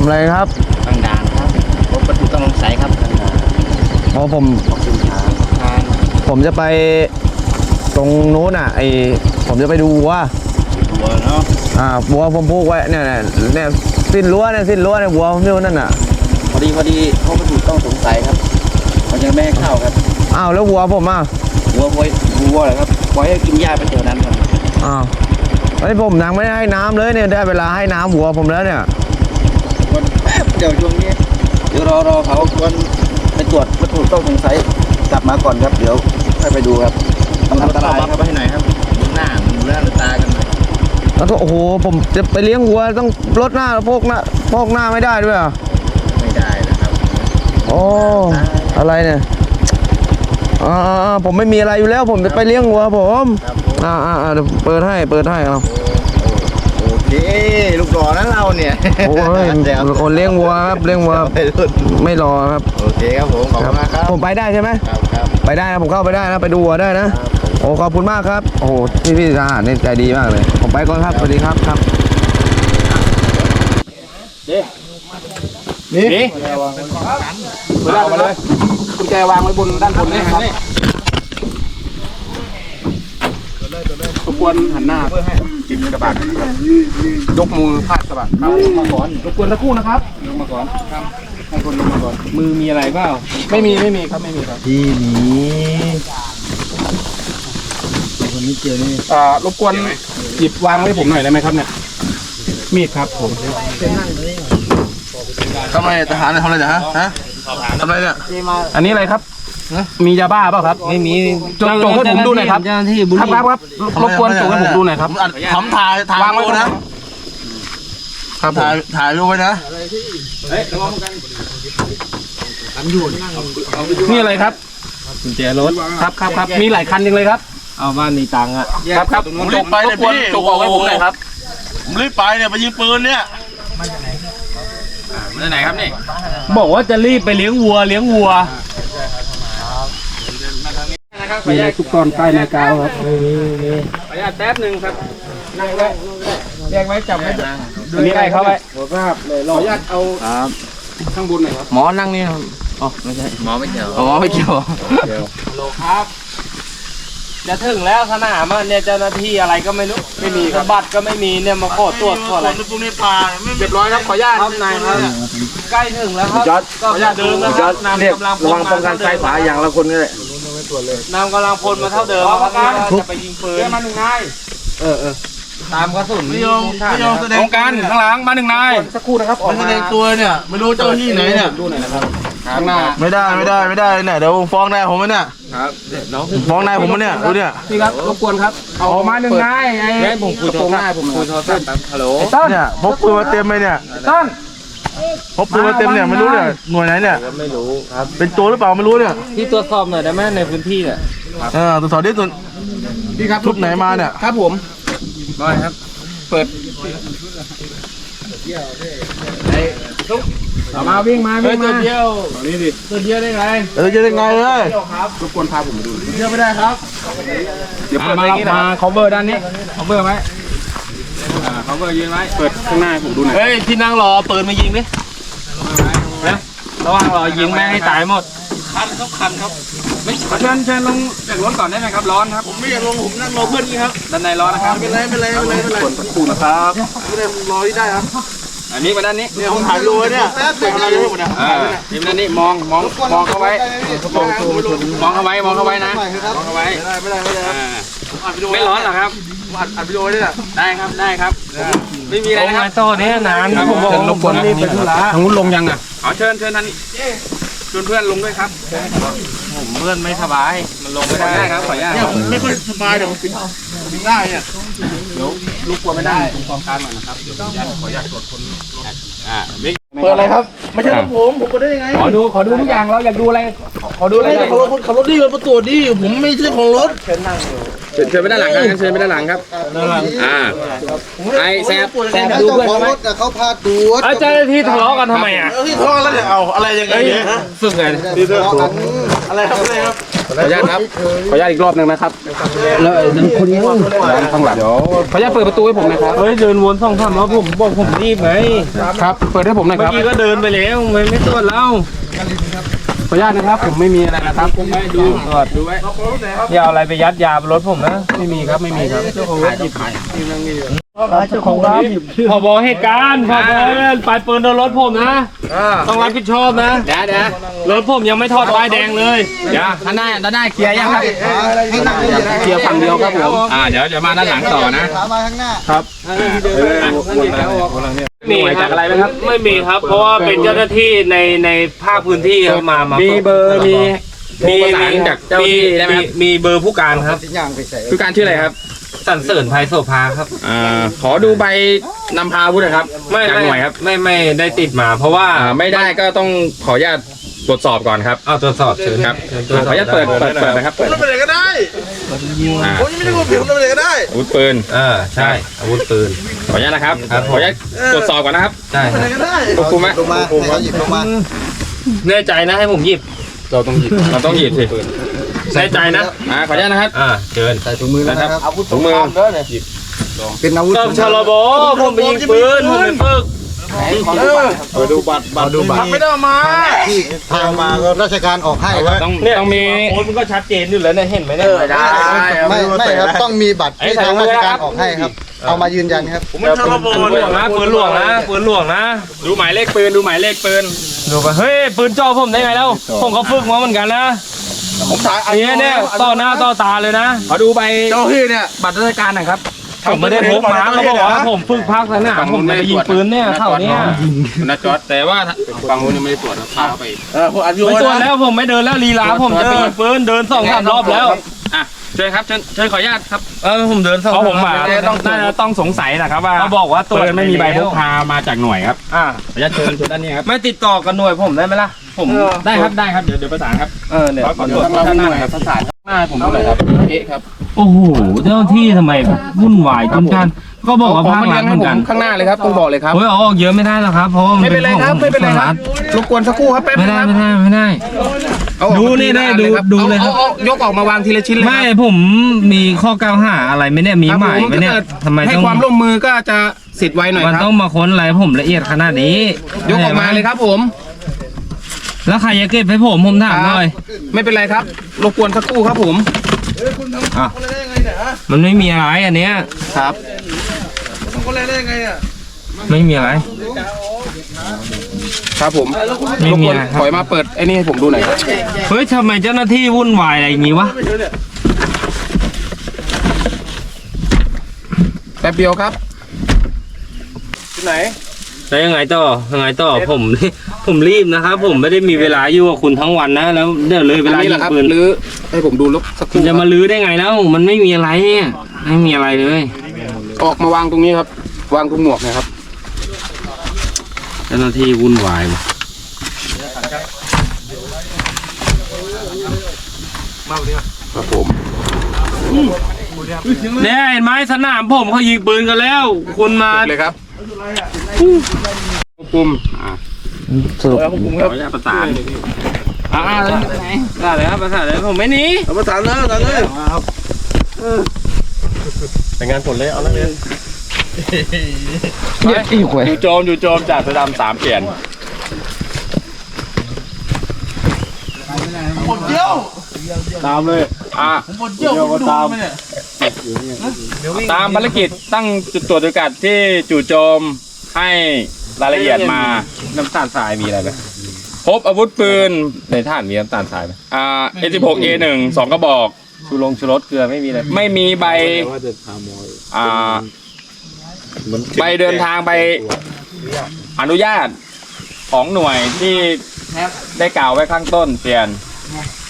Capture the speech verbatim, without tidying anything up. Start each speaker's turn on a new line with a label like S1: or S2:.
S1: อะไรครับ
S2: ตั้งด่านครับพบวัตถุต้องสงสัยครับตั้งด่าน
S1: อ๋อผมผมจะไปตรงนู้นอ่ะไอผมจะไปดูวัว
S2: วัวเนาะ
S1: อ่าวัวผมพูกไว้เนี่ยเนี่ยเนี่ยสิ้นรั้วเนี่ยสิ้นรั้วเนี่ยวัวผมอยู่นั่นน่ะ
S2: พอดีพอดีพบวัตถุต้องสงสัยครับมันยังไม่ให้เข้าครับ
S1: อ้าวแล้ววัวผมอ่ะ
S2: วัววัววัวเหรอครับปล่อยให้กินหญ้าไปเท่านั้นครับ
S1: อ้าวไอ้ผมยังไม่ได้ให้น้ำเลยเนี่ยได้เวลาให้น้ำวัวผมแล้วเนี่ย
S2: วันแป๊บเดี๋ยวช่วงนี้เดี๋ยวรอรอเขาวันไปตรวจวัตถุต้องสงสัยกลับมาก่อนครับเดี๋ยวให้ไปดูครับมันอันตรายครับไปที่ไหนครับหน้ามันเลื่อนตากันเลย
S1: แล้วก็โอ้โหผมจะไปเลี้ยงวัวต้องลดหน้าพกหน้าพกหน้าไม่ได้ด้วยอ่ะ
S2: ไม่ได้นะครับ
S1: โอ้อะไรเนี่ยอ่าผมไม่มีอะไรอยู่แล้วผมจะไปเลี้ยงวัวผมอ่าอ่าเดี๋ยวเปิดให้เปิดให้เอา
S2: โอเคลูกหล่อนั้นเราเนี่ย
S1: โอ้ยคนเลี้ยงวัวครับเลี้ยงวัวไม่รอครับ
S2: โอเคครับผมขอบคุณมากครับ
S1: ผมไปได้ใช่ไหม
S2: ครับครับ
S1: ไปได้นะผมเข้าไปได้นะไปดูวัวได้นะโอ้ขอบคุณมากครับโอ้พี่พี่ทหารนี่ใจดีมากเลยผมไปก่อนครับสวัสดีครับครับ
S2: นี่นี่เปิดได้มาเลยกุญแจวางไว้บนด้านบนนี่ครับรบกวนหันหน้าเพื่อให้จิบกระบาดนะครับยกมือพาดกระบาดครับมาก่อนรบกวนสักครู่นะครับลงมาก่อนครับให้คนลงมาก่อนมือมีอะไรเปล่าไม่มีไม่มีครับไม่มีครับ
S1: ที่นี้คนนี้เจอนี่
S2: อ่ารบกวนหยิบวางไว้ผมหน่อยได้ไหมครับเนี่ยมีดครับผม
S1: ทำไมทหารทำอะไรเนี่ยฮะฮะทำอะไรเนี่ย
S2: อันนี้อะไรครับมียาบ้าเปล่าครับไม่มีจงจงให้ผมดูหน่อยครับครับครับครับรบกวนจงให้ผมดูหน่อยครับ
S1: ผมถ่ายถ่ายวางไว้นะครับถ่ายถ่ายรูปไว้นะ
S2: นี่อะไรครับกุญแจรถครับครับครับมีหลายคันจริงเลยครับเอาบ้านมีตังค์อ่ะครับครับ
S1: ผมรีบไปเลยพี่
S2: จงเอาไว้ผมหน่อยครับ
S1: ผมรีบไปเนี่ยไปยิงปืนเนี่ย
S2: มาจากไหนมาจากไหนครับนี่บอกว่าจะรีบไปเลี้ยงวัวเลี้ยงวัวมีอะไรทุกตอนใต้นาคาครับขออนุญาตแป๊บหนึ่งครับนั่งไว้แยกไว้จับไว้ดูนี่ใกล้เข้าไปขออนุญาตเอาข้างบนหน่อยครับ
S1: หมอนั่งนี่อ๋อไม่ใช่
S2: หมอไม่เกี่ยว
S1: อ๋อไม่เกี่ยว
S2: ฮัลโหลครับจะถึงแล้วสนามเนี่ยเจ้าหน้าที่อะไรก็ไม่รู้ไม่มีครับบัตรก็ไม่มีเนี่ยมาขอตรวจขออะไร
S1: พวกนี้ปลา
S2: เรียบร้อยครับขออนุญาตครับนายครับใกล้ถึงแล้วครับก็อย่าเดินนะครับนำกำลังพล
S1: ระวังป้องกันซ้ายขวาอย่างละคนก็ได้
S2: นำกำลังพลมาเท่าเดิมครับจะไปยิงปืนมาหนึ่งนายเออเออตามกระสุน
S1: ไม่ยอมไม่ยอมแสดง
S2: การข้างหลังมาหนึ่งนายสักครู่นะครับ
S1: ไม่แสดงตัวเนี่ยไม่รู้เจ้าที่ไหนเนี่ย
S2: ดูหน่อยนะครับข้างหน้า
S1: ไม่ได้ไม่ได้ไม่ได้เนี่ยเดี๋ยวฟ้องนายผมเนี่ยครับฟ้องนายผมเนี่ยดูเนี่ย
S2: พี่ครับรบกวนครับเอามาหนึ่งนายไอ้ผมคุยโทรศัพท์ผมคุยโทรศัพท์ฮัลโหล
S1: เนี่ยพกปืนมาเต็มเลยเนี่ย
S2: ต้น
S1: พบปืนมาเต็มเนี่ยไม่รู้เนี่ยหน่วยไหนเนี่ย
S2: ไม่รู้ครับ
S1: เป็นตัวหรือเปล่าไม่รู้เนี่ย
S2: ที่ตรวจสอบหน่อยได้ไหมในพื้นที่เนี่ย
S1: เออตรวจสอบดิส่วน
S2: พี่ครับ
S1: ชุดไหนมาเนี่ย
S2: ครับผมได้ครับเปิดไอ้ทุกมาวิ่งมาวิ่งมาเดียวนี่ดิตัวเดียวได้ไง
S1: เออจะได้ไงเลย
S2: ครับรบกวนพาผมมาดู
S1: เดียวไม่ได้ครับ
S2: เดี๋ยวเปิดมามา cover ด้านนี้ cover ไหมอ่า cover ยืนไว้เปิดข้างหน้าผมดูหน่อย
S1: เฮ้ยที่นั่งรอเปิดมายิงดิ
S2: นะระวังรอยิงแม่ให้ตายหมด
S1: คันครับคันครับ
S2: ไม่เชิญเชิญลงจากรถก่อนได้ไหมครับร้อนครับ
S1: ผมไม่อยากลงผมนั่งรอเพื่อนนี่ครับ
S2: ด้านในร้อนนะครับ
S1: ไม่เป็นไรไม่เป็นไรไม่เป็นไรไม่เป็นไร
S2: กดปูนะครับ
S1: ไม่เป็นไรรอที่ได้ครับ
S2: อันนี้มาด้านนี้
S1: เนี่ยผมถ่ายรูปเนี่ยเด็กอะไรอยู่เนี่ย
S2: อ่าทีมด้านนี้มองมองมองเข้าไว้มองมองเข้าไว้มองเข้าไว้นะมองเข้าไว้
S1: ไม่ได้ไม่ได้
S2: ไม่ร้อนหรอครับ
S1: อัดอัดวิดีโอได้เนี่ย
S2: ได้ครับได้ครับไม่มีอะไรนะครับ
S1: โต้เนี่ยนาน
S2: ผมบอกรบกวนนี่เป็นธุระทางนู้นลงยังอ่ะอ๋อเชิญเชิญท่านชวนเพื่อนลงด้วยครับผมเพื่อนไม่สบายมันลงไม่ได้ครับขออนุญาต
S1: ไม่ค่อยสบายเดี๋ยวผมปิดปิดได้เนี่ย
S2: เดี๋ยวลูกกลัวไม่ได้ตรงกองการหน่อยนะครับเดี๋ยวขออนุญาตขออนุญาตตรวจคนอ่า
S1: เปิดอะไรครับไม่ใช่ของผมผมเปิดได้ยังไง
S2: ขอดูขอดูทุกอย่างเราอยากดูอะไรขอดูอะไร
S1: ขับรถขับรถดีมันประตูดีผมไม่ใช่ของรถ
S2: เชิญนั่งเชิญไปด้านหลังครับเชิญไปด้านหลังครับด้านหลังอ่าไอ้แซบแซบดูเพื่อนเขา
S1: เขาพาดู
S2: เจ้าหน้าที่ทะเลาะกันทำไมอ่ะ
S1: ที่ทะเลาะแล้วเนี่ยเอาอะไรยังไง
S2: ฝึกไง
S1: ที่ทะเลาะกันอะไรครับอะไรครับ
S2: ขออนุญาตครับขออนุญาตอีกรอบหนึ่งนะครับ
S1: แล้วนั่นคนนี้
S2: ข้างหลังเดี๋ยวขออนุญาตเปิดประตูให้ผมหนะครับ
S3: เฮ้ยเดินวนสองสามรอบผมบอกผมรีบไง
S2: ครับเปิดให้ผมหน่อยค
S3: เมื่อ
S2: รับ
S3: กี้ก็เดินไปแล้วไม่ไม่ตรวจแล้ว
S2: ขออนุญาตนะครับผมไม่มีอะไรนะครับผมไม่ดู
S3: ตรวจดูไว้อย่าเอาอะไรไปยัดยาบนรถผมนะ
S2: ไม่มีครับไม่มีครับเจ้าของรถหยิบขาย
S3: เจ้าของร้านพอบอเหตุการณ์พอบอปลายปืนโดนรถผมนะต้องรับผิดชอบนะ
S2: เดี๋ยวเดี๋ยว
S3: รถผมยังไม่ทอดป้ายแดงเลย
S2: เดี๋ยวด้านหน้าด้านหน้าเคลียร์ยังครับเคลียร์ฝั่งเดียวครับผมอ่าเดี๋ยวจะมาด้านหลังต่อนะ
S4: มาข้างหน้า
S2: ครับ
S3: มีจากอะไรไหมครับไม่มีครับ เพราะว่าเป็นเจ้าหน้าที่ในในภาคพื้นที่ครับมามา
S2: มีเบอร์มี
S3: มี
S2: ประสานจากเจ้าหน้าที่ได้ไหมครับ
S3: มีเบอร์ผู้การครับ
S4: สิ่งอย่างไปใส่
S2: คือการชื่ออะไรครับ
S3: สันเสริญภัยโสภาครับ
S2: อ่าขอดูใบนำพาอาวุธหนะครับ
S3: ไม่
S2: จาก
S3: ไม่
S2: หน่วยครับ
S3: ไม่ไม่ได้ติดมา เพราะว่า
S2: อ่าไม่ได้ก็ต้องขออนุญาตตรวจสอบก่อนครับ
S3: เอาตรวจสอบเชิญ
S2: ครับ
S3: ชิญ
S2: ขออนุญาตเปิดเปิดเปิดนะครับเปิด
S4: ทำอะไรก็ได้
S2: อ่า
S4: ผมยังไม่ได้พูดผิดทำอะไรก็ได้
S2: อาวุธปืน
S3: เออใช่อาวุธปืน
S2: ขออนุญาตนะครับ
S3: ครับ
S2: ขออนุญาตตรวจสอบก่อนนะครับ
S3: ใช่ค
S4: ทำ
S3: รับ
S4: อะไรก็ได้
S2: ควบคุมไหม
S4: ลงมาให้เขาหยิบลงมา
S3: แน่ใจนะให้ผมหยิบ
S2: เราต้องหยิบเราต้องหยิบสิ
S3: แน่ใจนะ
S2: อ่าขออนุญาตนะครับ
S3: อ่าเชิญ
S4: ใส่ถุงมือแล้วนะครับ
S2: ถุงมือ
S4: เป็นอาวุธ
S3: ตบชลบผมไปยิงปืนผมไปฝึก
S4: ดูบัตรบัตรดูบัตรไม่ได้มาที่ทางมาก็ราชการออกให้ครับ
S2: ต้องต้องมี
S3: โอ้ยมันก็ชัดเจนอยู่แล้วเนี่ยเห็นไหมเนี่ย
S4: ไม่ไม่ครับต้องมีบัตรที่ทางราชการออกให้ครับ เอามายืนยันครับ
S3: ผมไม่ชลบปืนหลวงนะปืนหลวงนะปืนหลวงนะ
S2: ดูหมายเลขปืนดูหมายเลขปืน
S3: ดูไปเฮ้ยปืนจ่อผมได้ไงแล้วผมก็ฝึกมาเหมือนกันนะ
S2: ผมถ่าย
S3: เนี่ยเนี่ยต่อหน้าต่อตาเลยนะ
S2: ขอดูใบเจ้าที่เนี่ยบัตรราชการหน่อยครับ
S3: ผมไม่ได้พกมาเขาบอกว่าผมฝึกภาคสนามผมจะไปยิงปืนเนี่ยเท่านี้
S2: นะจอดแต่ว่าฝั่งนู้นยังไม่ได้ตรวจนะพาไป
S3: ไม่ตรวจแล้วผมไม่เดินแล้วลีลาผมจะไปยิงปืนเดินสองสามรอบแล้ว
S2: อ่ะเชิญครับเชิญเชิญขออนุญาตครับ
S3: เออผมเดินสอง
S2: เพราะผมมา
S3: ต้อง
S2: น่าจะต้องสงสัยนะครับว่า
S3: เขาบอกว่าตรวจ
S2: ปืนไม่มีใบพกพามาจากหน่วยครับ
S3: อ่า
S2: ขออนุญาตเชิญเชิญด้านนี้ครับ
S3: ไม่ติดต่อกับหน่วยผมได้ไหมล่ะผม
S2: ได้ครับได้ครับเดี๋ยวเดี๋ยวประสานครับ
S3: เออเนี่ย
S2: ขอตรวจด้านหน้าหน่อยครับประสานหน้าผมดูหน่อยครับเอ๊ะครับ
S3: โอ้โหเจ้าที่ทำไมวุ่นวายจนการก็บอกว่าภาครัฐเหมือนกัน
S2: ข้างหน้าเลยครับต้องบอกเลยครับ
S3: เฮ้ยเอาออกเยอะไม่ได้หรอกครับเพราะว่ามัน
S2: ไม่เป็นไรครับไม่เป็นไรครับ
S3: ภา
S2: รบกวนสักครู่ครับแป๊บ
S3: ไม่
S2: นึง
S3: ได้
S2: ครับ
S3: ไม่ได้ไม่ได้
S2: เอาออก
S3: ดูนี่ได้ดู
S2: ครับ
S3: ดูเลยครับ
S2: อาอายกออกมาวางทีละชิ้นเลย
S3: ไม่ผมมีข้อกล่าวหาอะไรไหมเนี่ยมีหมายไหมเนี่ยทำไม
S2: ให้
S3: ต้อง
S2: ความร่วมมือก็จะสิทธิ์ไว้หน่อย
S3: มัน
S2: ครับ
S3: ต้องมาค้นอะไรผมละเอียดขนาดนี้
S2: ยกออกมาเลยครับผม
S3: แล้วใครจะเก็บให้ผมผมถามหน่อย
S2: ไม่เป็นไรครับรบกวนสักครู่ครับผม
S3: มันไม่มีอะไรอันเนี้ย
S2: ครับ
S3: ไม่มีอะไร
S2: ครับผม
S3: ไม่
S2: รบ
S3: มี
S2: กวน
S3: อะไรค
S2: ถอย
S3: รับ
S2: มาเปิดไอ้นี่ให้ผมดูหน่อยครับ
S3: เฮ้ยทำไมเจ้าหน้าที่วุ่นวายอะไรอย่างงี้วะ
S2: แป๊บเดียวครับที่ไหน
S3: แล้วยังไงต่อยังไงต่อผม ผมรีบนะครับผมไม่ได้มีเวลาอยู่กับคุณทั้งวันนะแล้วเดี๋ยวเลยเว
S2: อัน
S3: ลา
S2: นี้
S3: ยิ
S2: แหละ
S3: ง
S2: ครับ
S3: ปืน
S2: หรือให้ผมดูลบสักค
S3: คุณ
S2: รู่
S3: จะมาลื้อได้ไงแล้วมันไม่มีอะไรเนี่ยไม่มีอะไรเลย
S2: ออกมาวางตรงนี้ครับ วางตรงหมวกนะครับ
S3: เจ้าหน้าที่วุ่นวายว่ะ
S2: ครับผม
S3: เนี่ยเห็นไหมสนามผมเขายิงปืนกันแล้ว คุณมา
S2: เลยครับควบคุมอ่า
S1: สรุป
S2: ขออนุญาตประสานอ่าแล้ว
S3: ได้เลยครับประสานเลยผมไม่หนี
S4: เอามาถามเลยถามเลย
S3: เป็นงานผลเลยเอานักเรียน
S1: เหี้ยอีกเว้ย
S2: อยู่โจมอยู่โจมจากสดามสามเปลี่ยน
S4: เดียว
S2: ตามเลยอ่า
S4: เดียวก็ตาม
S2: ตามภารกิจตั้งจุดตรวจจุดกัดที่จู่โจมให้รายละเอียดมาน้ำตาลทรายมีอะไรไหมพบอาวุธปืนในท่านมีน้ำตาลทรายไหมอ่า เอ สิบหก เอ หนึ่ง สองกระบอก
S3: ชูลงชูรสเกลือไม่มีเลย
S2: ไม่มีใบอ่าใบเดินทางใบอนุญาตของหน่วยที่ได้กล่าวไว้ข้างต้นเปลี่ยน